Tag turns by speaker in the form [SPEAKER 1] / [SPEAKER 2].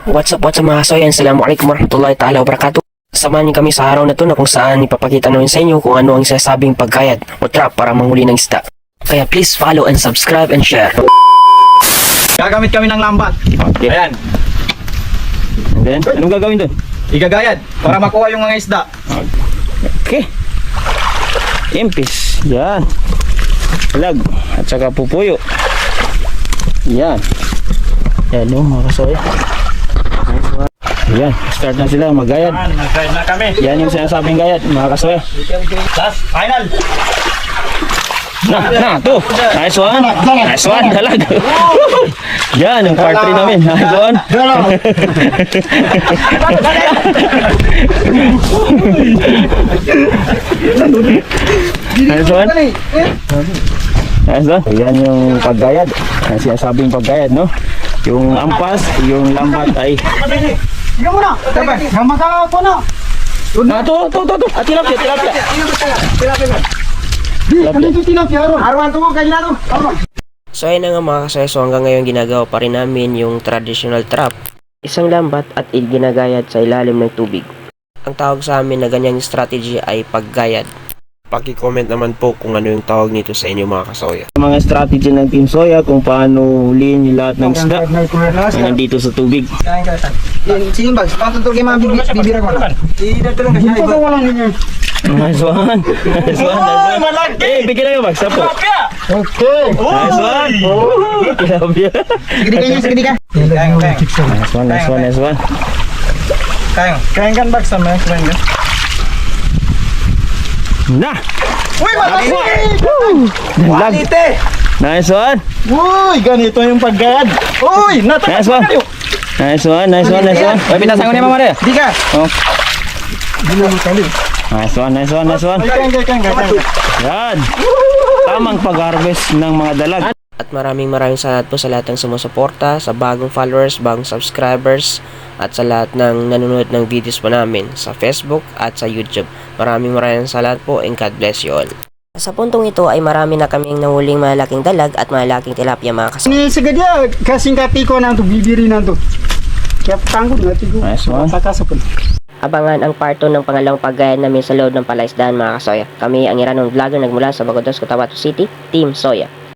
[SPEAKER 1] What's up mga kasoy? Assalamualaikum warahmatullahi ta'ala wabarakatuh. Samahan niyo kami sa araw na to na kung saan ipapakita namin sa inyo kung ano ang sinasabing pagkayad o trap para manghuli ng isda. Kaya please follow and subscribe and share.
[SPEAKER 2] Gagamit kami ng lambat.
[SPEAKER 3] Okay.
[SPEAKER 2] Ayan.
[SPEAKER 3] And then, anong gagawin doon?
[SPEAKER 2] Igagayad para makuha yung mga isda.
[SPEAKER 3] Okay. Impis. Yan. Lag. At saka pupuyo. Yan. Yan o, mga kasoy. Yan. Start na sila magayad.
[SPEAKER 2] Nag-guide na kami.
[SPEAKER 3] Yan yung sinasabing gayad, mga kasoy.
[SPEAKER 2] Last, final.
[SPEAKER 3] To. Nice one. Nice one. Dalag. Yan, yung part 3 namin. Nice one. Nice one. Nice one. Yan yung paggayad. Ang sinasabing paggayad, no? Yung ampas, yung lambat ay...
[SPEAKER 2] Ikaw muna. Sabi, gamasa ko na.
[SPEAKER 3] To. Tilapia.
[SPEAKER 1] So ayun na nga mga kasoy, so hanggang ngayon ginagawa pa rin namin yung traditional trap. Isang lambat at ginagayad sa ilalim ng tubig. Ang tawag sa amin na ganyang strategy ay paggayad. Paki-comment naman po kung ano yung tawag nito sa inyo mga kasoy.
[SPEAKER 3] Mga strategy ng Team Soya kung paano huliin yung lahat ng isda na nandito sa tubig.
[SPEAKER 2] Sige bags, patutog yung mga bibira ko na. Idatulong ka siya. Ito wala ninyo.
[SPEAKER 3] Nice one. Eh, bigyan na yung bagsa po.
[SPEAKER 2] Okay.
[SPEAKER 3] Nice one. Tilapia.
[SPEAKER 2] Sige ka.
[SPEAKER 3] Nice one.
[SPEAKER 2] Kayang kan bags sama. Kayang kan.
[SPEAKER 3] Na!
[SPEAKER 2] Uy, malaki!
[SPEAKER 3] Quality! Nice one.
[SPEAKER 2] Uy, ganito yung paggayad. Uy,
[SPEAKER 3] Nice one. Nice one. Uy, pinasan ko niya Mama Maria.
[SPEAKER 2] Di ka.
[SPEAKER 3] Oh. Nice one.
[SPEAKER 2] Kayang.
[SPEAKER 3] Yan. Tamang pag-harvest ng mga dalag.
[SPEAKER 1] At maraming salamat po sa lahat ng sumusuporta, sa bagong followers, bagong subscribers, at sa lahat ng nanonood ng videos po namin sa Facebook at sa YouTube. Maraming salamat po and God bless you all. Sa puntong ito ay marami na kaming nahuling malalaking dalag at malalaking tilapia mga kasoy.
[SPEAKER 4] Ni segadia kasing katiko na to bibiri na to. Kaya tangkod na tigo.
[SPEAKER 3] Nice one.
[SPEAKER 4] Sakasapon.
[SPEAKER 1] Abangan ang part 2 ng pangalawang paggayad namin sa loob ng palaisdaan mga kasoy. Kami ang Iranon Vlogger nagmula sa Bagodos, Cotabato City, Team Soya.